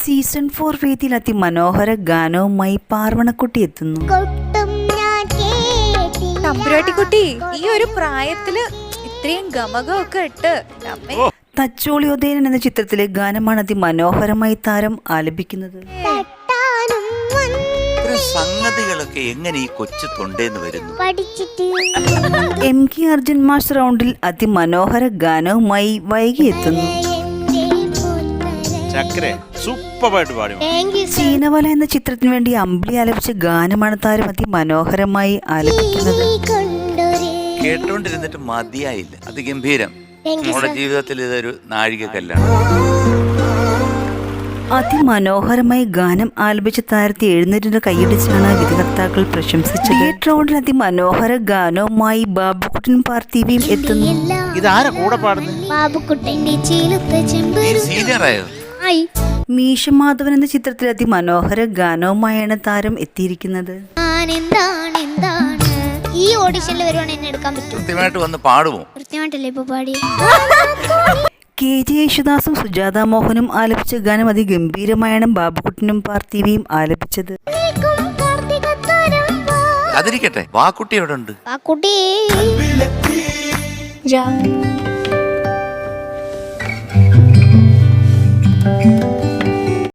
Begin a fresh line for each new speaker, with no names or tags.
Season 4 വേദിയിൽ അതിമനോഹര ഗാനവുമായി പാർവണക്കുട്ടി എത്തുന്നു.
തമ്പുരാട്ടിക്കുട്ടി ഈ ഒരു പ്രായത്തില് ഇത്രയും ഗമകമൊക്കെ ഇട്ട്
തച്ചോളിയോദയൻ എന്ന ചിത്രത്തിലെ ഗാനമാണ് അതിമനോഹരമായി താരം ആലപിക്കുന്നത്.
സംഗതികളൊക്കെ എങ്ങനെ ഈ കൊച്ചു തൊണ്ടേന്ന് വരുന്നു?
MK അർജുൻ മാസ്റ്റർ റൗണ്ടിൽ അതിമനോഹര ഗാനവുമായി വൈകി എത്തുന്നു. ചീനവല എന്ന ചിത്രത്തിന് വേണ്ടി അമ്പിളി ആലപിച്ച ഗാനമാണ് താരം അതിമനോഹരമായി ആലപിക്കുന്നത്.
കേട്ടോണ്ടിരുന്നിട്ട് മതിയായില്ല. അതിഗംഭീരം. നമ്മുടെ ജീവിതത്തിൽ ഇതൊരു നാഴികക്കല്ലാണ്.
അതിമനോഹരമായി ഗാനം ആലപിച്ച താരത്തെ എഴുന്നേറ്റിന്റെ കൈയടിച്ചാണ് വിധികർത്താക്കൾ പ്രശംസിച്ചത്. തിയേറ്റർ റൗണ്ടിൽ അതിമനോഹര ഗാനവുമായി ബാബുക്കുട്ടൻ പാർത്ഥിവിയും എത്തുന്നു. മീശമാധവൻ എന്ന ചിത്രത്തിൽ അതിമനോഹര ഗാനവുമായാണ് താരം എത്തിയിരിക്കുന്നത്.
ഈ ഓഡിഷനിൽ വരുവാണ് എന്നെ എടുക്കാൻ പറ്റും.
കൃത്യമായിട്ട് വന്ന് പാടുമോ?
കൃത്യമായിട്ടല്ലേ ഇപ്പൊ പാടി.
KJ യേശുദാസും സുജാത മോഹനും ആലപിച്ച ഗാനം അതിഗംഭീരമായാണ് ബാബുക്കുട്ടനും പാർത്ഥിവിയും ആലപിച്ചത്.
അതിരിക്കട്ടെ, വാക്കുട്ടി എവിടെ ഉണ്ട്?
വാക്കുട്ടി